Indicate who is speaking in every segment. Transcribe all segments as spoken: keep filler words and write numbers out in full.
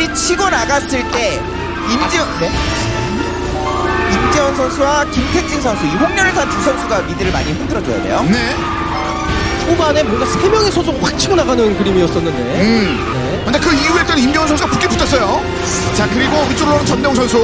Speaker 1: 미들이 치고 나갔을 때 임지훈
Speaker 2: 아, 네?
Speaker 1: 임지훈 선수와 김택진 선수, 이 홍련을 탄 두 선수가 미들을 많이 흔들어줘야 돼요.
Speaker 3: 네.
Speaker 2: 초반에 뭔가 세 명의 선수가 확 치고 나가는 그림이었었는데.
Speaker 3: 음.
Speaker 2: 네.
Speaker 3: 근데 그 이후에 또 임경훈 선수가 붙게 붙었어요. 자, 그리고 위쪽으로 오는 전대웅 선수.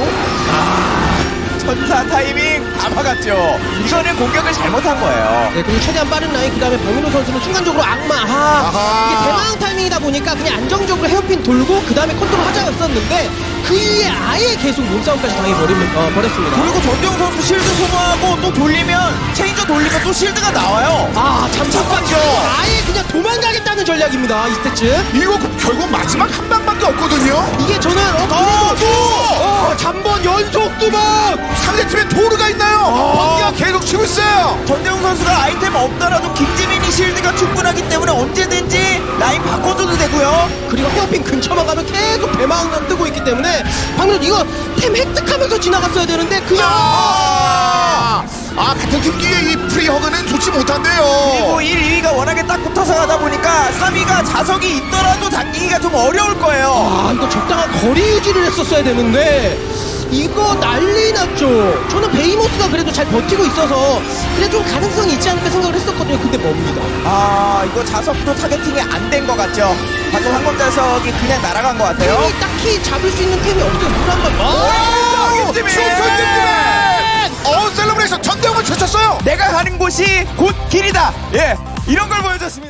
Speaker 1: 천사 타이밍 다 막았죠. 이거는 공격을 잘못한 거예요.
Speaker 2: 네, 그리고 최대한 빠른 라인, 그 다음에 박민호 선수는 순간적으로 악마. 아,
Speaker 3: 아하.
Speaker 2: 이게 대망 타이밍이다 보니까 그냥 안정적으로 헤어핀 돌고 그 다음에 컨트롤 하자였었는데 그 이후에 아예 계속 몸싸움까지 당해버리면, 어, 버렸습니다.
Speaker 1: 그리고 전대웅 선수 실드 소모하고 또 돌리면 체인저 돌리면 또 실드가 나와요.
Speaker 2: 아, 잠깐만요.
Speaker 1: 잠깐만요.
Speaker 2: 아예 그냥 도망가겠다는 전략입니다, 이스테츠.
Speaker 3: 이거 결국 마지막 한 방밖에 없거든요.
Speaker 2: 이게 저는, 어,
Speaker 3: 아,
Speaker 2: 그래도, 어, 잠번 연속 두 번!
Speaker 3: 상대팀에 도르가 있나요? 번개가 계속 치고 있어요.
Speaker 1: 전대웅 선수가 아이템 없더라도 김지민이 실드가 충분하기 때문에 언제든지 라인 바꿔줘도 되고요.
Speaker 2: 그리고 헤어핀 근처만 가면 계속 배망만 뜨고 있기 때문에 방금 이거 템 획득하면서 지나갔어야 되는데 그냥
Speaker 3: 아, 아 같은 팀끼리 이 프리허그는 좋지 못한데요.
Speaker 1: 그리고 일, 이 위가 워낙에 딱 붙어서 가다 보니까 삼 위가 자석이 있더라도 당기기가 좀 어려울 거예요.
Speaker 2: 아 이거 적당한 거리 유지를 했었어야 되는데 이거 난리 났죠. 저는 베이모스가 그래도 잘 버티고 있어서 그래 좀 가능성이 있지 않을까 생각을 했었거든요. 근데 뭡니다.
Speaker 1: 아, 이거 자석도 타겟팅이 안 된 것 같죠. 방금 항공 자석이 그냥 날아간 것 같아요.
Speaker 2: 템이 딱히 잡을 수 있는 템이 없어요. 물 한 번.
Speaker 1: 오, 김지민!
Speaker 3: 어 셀러브레이션 전대웅을 쳤었어요.
Speaker 1: 내가 가는 곳이 곧 길이다. 예, 이런 걸 보여줬습니다.